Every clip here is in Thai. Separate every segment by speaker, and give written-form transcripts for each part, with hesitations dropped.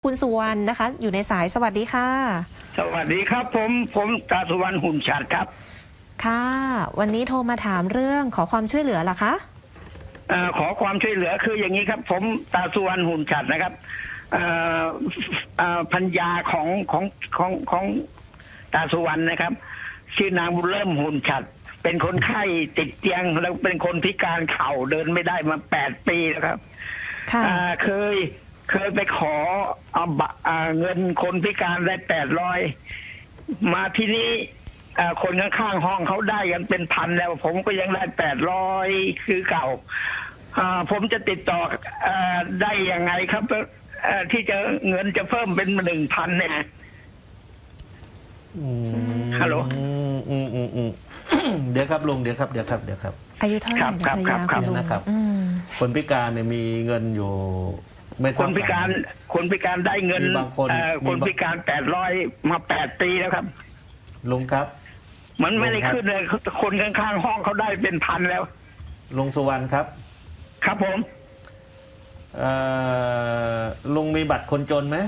Speaker 1: คุณสุวรรณนะคะอยู่ในสายสวัสดีค่ะ
Speaker 2: สวัสดีครับผมตาสุวรรณหุ่นฉัตรครับ
Speaker 1: ค่ะวันนี้โทรมาถามเรื่องขอความช่วยเหลือเหรอคะ
Speaker 2: ขอความช่วยเหลือคืออย่างนี้ครับ ผมตาสุวรรณหุ่นฉัตรนะครับพัญญาของตาสุวรรณนะครับชื่อนางบุญเริ่มหุ่นฉัตรเป็นคนไข้ติดเตียงแล้วเป็นคนพิการเข่าเดินไม่ได้มา8 ปีแล้วครับเคยไปขอเงินคนพิการได้800มาที่นี้คนข้างๆห้องเขาได้กันเป็นพันแล้วผมก็ยังได้800คือเก่าผมจะติดต่อได้ยังไงครับที่จะเงินจะเพิ่มเป็น1,000เนี่ยฮัลโหล
Speaker 3: เดี๋ยวครับลุงเดี๋ยวครับ
Speaker 1: อายุเท่าไหร่ภรรยาคุณลุง
Speaker 3: นะครับคนพิการเนี่ยมีเงินอยู่
Speaker 2: คนพิการได้เงินคนพิการ800มา8 ปีแล้วครับ
Speaker 3: ลุงครับ
Speaker 2: มันไม่ได้ขึ้นเลยคนข้างๆห้องเขาได้เป็นพันแล้ว
Speaker 3: ลุงสุวรรณครับ
Speaker 2: ครับผม
Speaker 3: ลุงมีบัตรคนจนไหม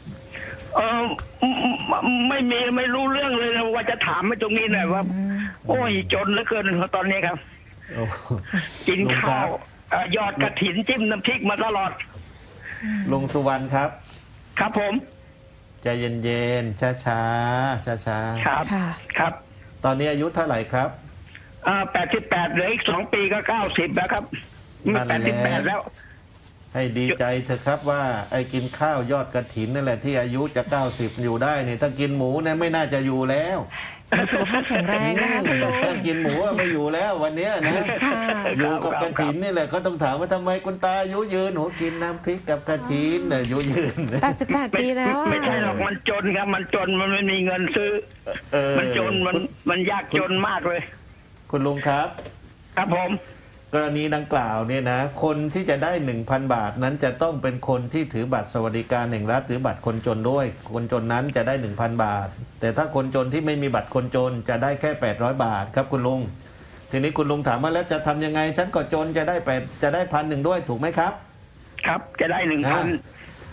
Speaker 2: ไม่มีไม่รู้เรื่องเลยนะว่าจะถามมาตรงนี้หน่อยว่าโอ้ยจนเหลือเกินตอนนี้ครับกินข้าวยอดกระถินจิ้มน้ำพริกมาตลอด
Speaker 3: ลุงสุวรรณครับ
Speaker 2: ครับผม
Speaker 3: ใจเย็นๆช้า
Speaker 2: ครับ
Speaker 3: ตอนนี้อายุเท่าไหร่ครับ
Speaker 2: 88เหลืออีก2 ปีก็90แล้วครับ88แล้ว
Speaker 3: ให้ดีใจเถอะครับว่าไอ้กินข้าวยอดกระถินนั่นแหละที่อายุจะ90อยู่ได้เนี่ยถ้ากินหมูเนี่ยไม่น่าจะอยู่แล้ว
Speaker 1: สุขภาพแข็งแรงนะคะคุณลุง
Speaker 3: ถ้ากินหมูไม่อยู่แล้ววันนี้นะอยู่กับกระถินนี่แหละก็ต้องถามว่าทำไมคุณตาอายุยืนหนูกินน้ำพริกกับกระถินเนี่ยอายุยืน
Speaker 1: 88 ปีแล้ว
Speaker 2: ไม่ใช่หรอกมันจนครับมันจนมันไม่มีเงินซื้อมันจนมันยากจนมากเลย
Speaker 3: คุณลุงครับ
Speaker 2: ครับผม
Speaker 3: กรณีดังกล่าวเนี่ยนะคนที่จะได้ 1,000 บาทนั้นจะต้องเป็นคนที่ถือบัตรสวัสดิการแห่งรัฐหรือบัตรคนจนด้วยคนจนนั้นจะได้ 1,000 บาทแต่ถ้าคนจนที่ไม่มีบัตรคนจนจะได้แค่800 บาทครับคุณลุงทีนี้คุณลุงถามว่าแล้วจะทำยังไงฉันก็จนจะได้1,000ด้วยถูกไหมครับ
Speaker 2: ครับจะได้ 1,000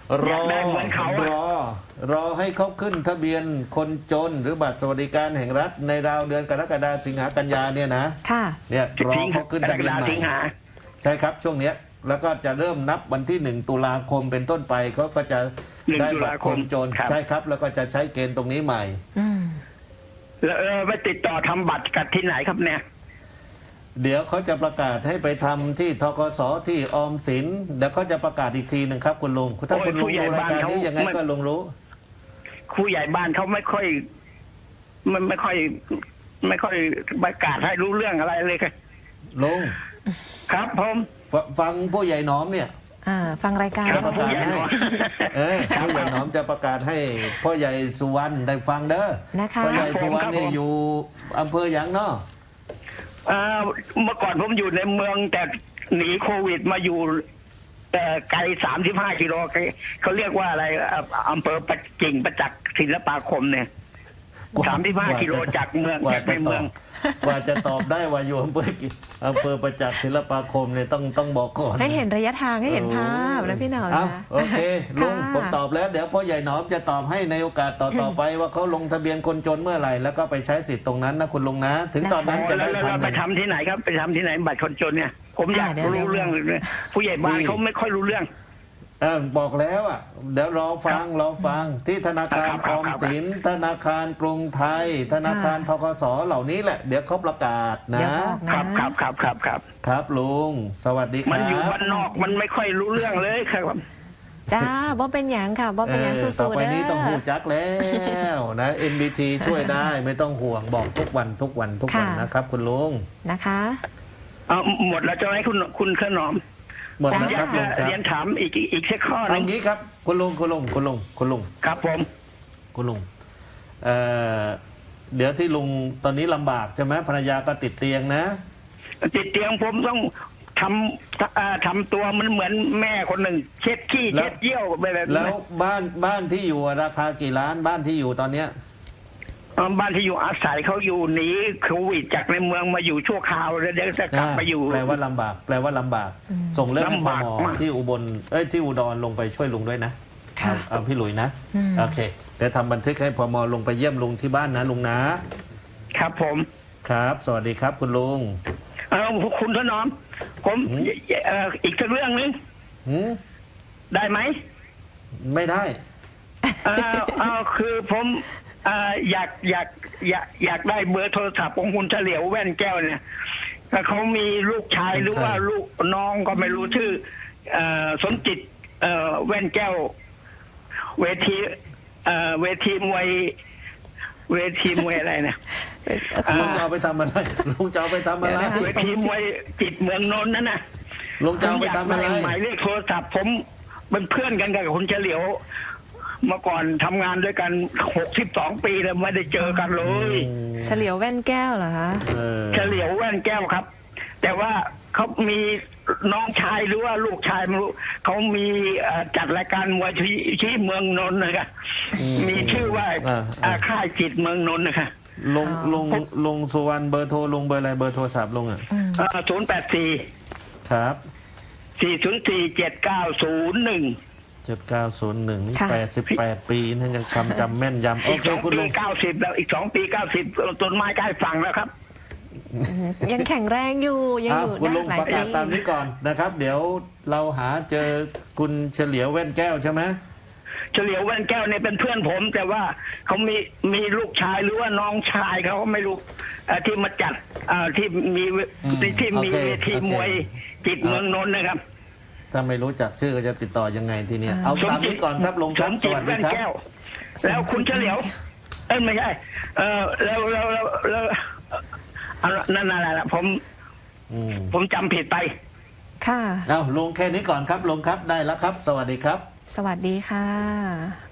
Speaker 3: รอให้เขาขึ้นทะเบียนคนจนหรือบัตรสวัสดิการแห่งรัฐในราวเดือนกรกฎาคมสิงหากันยาเนี่ยนะเนี่ยรอเขาขึ้นทะเบียนใหม่ใช่ครับช่วงเนี้ยแล้วก็จะเริ่มนับวันที่1 ตุลาคมเป็นต้นไปเขาก็จะได้บัตรคนจนใช่ครับแล้วก็จะใช้เกณฑ์ตรงนี้ใหม่
Speaker 2: แล้วไปติดต่อทำบัตรกันที่ไหนครับเนี่ย
Speaker 3: เดี๋ยวเขาจะประกาศให้ไปทำที่ธกสที่ออมสินเดี๋ยวเขาจะประกาศอีกทีหนึ่งครับคุณลุงถ้าคุณลุงดูรายการนี้ยังไงก็ลุงรู้
Speaker 2: ครูใหญ่บ้านเขาไม่ค่อยประกาศให้รู้เรื่องอะไรเลยครับ
Speaker 3: ลุง
Speaker 2: ครับผม
Speaker 3: ฟังผู้ใหญ่หนอมเนี่ย
Speaker 1: ฟังรายการ
Speaker 3: จะประกาศให้ผู้ใหญ่หนอมจะประกาศให้พ่อใหญ่สุวรรณได้ฟังเด้อพ่อใหญ่สุวรรณเนี่ยอยู่อำเภอหยางเนาะ
Speaker 2: เมื่อก่อนผมอยู่ในเมืองแต่หนีโควิดมาอยู่ไกล35 กิโลเขาเรียกว่าอะไรอำเภอประจิงประจักษ์ศิลปาคมเนี่ย35 กิโลจากเมืองจากในเมือง
Speaker 3: กว่าจะตอบได้ว่าอยู่อำเภอประจักษ์ศิลปาคมเนี่ยต้องบอกก่อน
Speaker 1: ให้เห็นระยะทางให้เห็นภาพนะพี่หนอมนะ
Speaker 3: โอเคลุงผมตอบแล้วเดี๋ยวพ่อใหญ่หนอมจะตอบให้ในโอกาสต่อไปว่าเขาลงทะเบียนคนจนเมื่อไหร่แล้วก็ไปใช้สิทธิ์ตรงนั้นนะคุณลุงนะถึงตอนนั้นจะได้1,000
Speaker 2: ไปทำที่ไหนครับไปทำที่ไหนบัตรคนจนเนี่ยผมอยากรู้เรื่องเลยผู้ใหญ่บ้านเขาไม่ค่อยรู้เรื่อง
Speaker 3: บอกแล้วอ่ะเดี๋ยวรอฟังที่ธนาคารออมสินธนาคารกรุงไทยธนาคารธกสเหล่านี้แหละเดี๋ยวเขาประกาศนะครับลุงสวัสดีครับ
Speaker 2: มันอยู่บ้านนอกมันไม่ค่อยรู้เรื่องเลยครับ
Speaker 1: จ้าบ่เป็นหยังค่ะบ่เป็นหยังสู้ๆ
Speaker 3: ต่อไปนี้ต้องหูจักแล้วนะ NBT ช่วยได้ไม่ต้องห่วงบอกทุกวันนะครับคุณลุง
Speaker 1: นะคะ
Speaker 2: หมดแล้วจะให้คุณขนอม
Speaker 3: หมดแล้วครับลุงครับ
Speaker 2: เรียนถามอีกสักข้อนึง
Speaker 3: อย่างนี้ครับคุณลุง
Speaker 2: ครับผม
Speaker 3: คุณลุงเดี๋ยวที่ลุงตอนนี้ลำบากใช่ไหมภรรยาก็ติดเตียงนะ
Speaker 2: ติดเตียงผมต้องทำตัวมันเหมือนแม่คนหนึ่งเช็ดขี้เช็ดเยี่ยวแบบนั้น
Speaker 3: แล้วบ้านที่อยู่ราคากี่ล้านบ้านที่อยู่ตอนเนี้ย
Speaker 2: บ้านที่อยู่อาศัยเขาอยู่หนีโควิดจากในเมืองมาอยู่ชั่วคราวแล้วเดี๋ยวจะกลับไปอยู่
Speaker 3: แปลว่าลำบากส่งเรื่องให้หมอที่อุบลที่อุดรลงไปช่วยลุงด้วยนะ
Speaker 1: ค่ะ
Speaker 3: เอาพี่หลุยนะ
Speaker 1: อืม
Speaker 3: โอเคเดี๋ยวทำบันทึกให้พมลงไปเยี่ยมลุงที่บ้านนะลุงนะครับ
Speaker 2: ผม
Speaker 3: ครับ สวัสดีครับคุณลุง
Speaker 2: คุณถนอม ผม
Speaker 3: หืม
Speaker 2: อีกสักเรื่องนึง
Speaker 3: หืม
Speaker 2: ได้ไหม
Speaker 3: ไม่ได้
Speaker 2: คือผมอยากได้เบอร์โทรศัพท์ของคุณเฉลียวแว่นแก้วเนี่ยเขามีลูกชายหรือว่าลูกน้องก็ไม่รู้ชื่อสมจิตแว่นแก้ว เวทีมวยอะไรนะ
Speaker 3: ลุงจะเอาไปทำอะไรลุงจะเอาไปทำอะไร
Speaker 1: เดี๋ยวนะคะ
Speaker 2: เวทีมวยจิตเมืองนนท์นั่นนะ
Speaker 3: ลุงจะเอาไปทำอะไร
Speaker 2: ผมยากด้หมายเลขโทรศัพท์ผมเป็นเพื่อนกันกับคุณเฉลียวเมื่อก่อนทำงานด้วยกัน62 ปีแล้วไม่ได้เจอกันเลย
Speaker 1: เฉลียวแว่นแก้วเหรอคะ
Speaker 3: เออ
Speaker 2: เฉลียวแว่นแก้วครับ แต่ว่าเขามีน้องชายหรือว่าลูกชายไม่รู้เขามีจัดรายการมวยที่เมืองนนท์นะครับมีชื่อว่าค่ายจิตเมืองนนท์นะคะ
Speaker 3: ลุงสุวรรณเบอร์โทรลุงเบอร์อะไรเบอร์โทรศัพท์ลุงอ่ะ
Speaker 2: 084
Speaker 3: ครับ
Speaker 2: 404 7901
Speaker 3: 7901นี่
Speaker 1: ค่ะ
Speaker 3: 88 ปีนั่นยังคำจำแม่นยำโอ
Speaker 2: อีก
Speaker 3: เค
Speaker 2: 2
Speaker 3: คุณ
Speaker 2: ปี
Speaker 3: ลุง
Speaker 2: 90แล้วอีก2 ปี90ต้นไม้ใกล้ฝั่งแล้วครับ
Speaker 1: ยังแข็งแรงอยู่ยังอยู่
Speaker 3: คุณลุ
Speaker 1: ได้
Speaker 3: ง
Speaker 1: หลาย
Speaker 3: ประ
Speaker 1: ปี
Speaker 3: กาศตามนี้ก่อนนะครับ เดี๋ยวเราหาเจอคุณเฉลียวแว่นแก้วใช่ไหม
Speaker 2: เฉลียวแว่นแก้วเนี่ยเป็นเพื่อนผม แต่ว่าเขามีลูกชายหรือว่าน้องชายเขาก็ไม่รู้ที่มาจัดที่มีที่มีเวทีมวยจิตเมืองนนท์นะครับ
Speaker 3: ถ้าไม่รู้จักชื่อก็จะติดต่อยังไงทีเนี้ยเอาตามนี้ก่อนครับลุงครับ
Speaker 2: สม
Speaker 3: ส
Speaker 2: จิต
Speaker 3: วัสดี
Speaker 2: แว่น
Speaker 3: ครับ
Speaker 2: แก้ว แล้วคุณเฉลียวไม่ใช่แล้วนั่นอะไรล่ะผมจำผิดไป
Speaker 1: ค่ะ
Speaker 3: เอาลุงแค่นี้ก่อนครับลุงครับได้แล้วครับ สวัสดีครับ
Speaker 1: สวัสดีค่ะ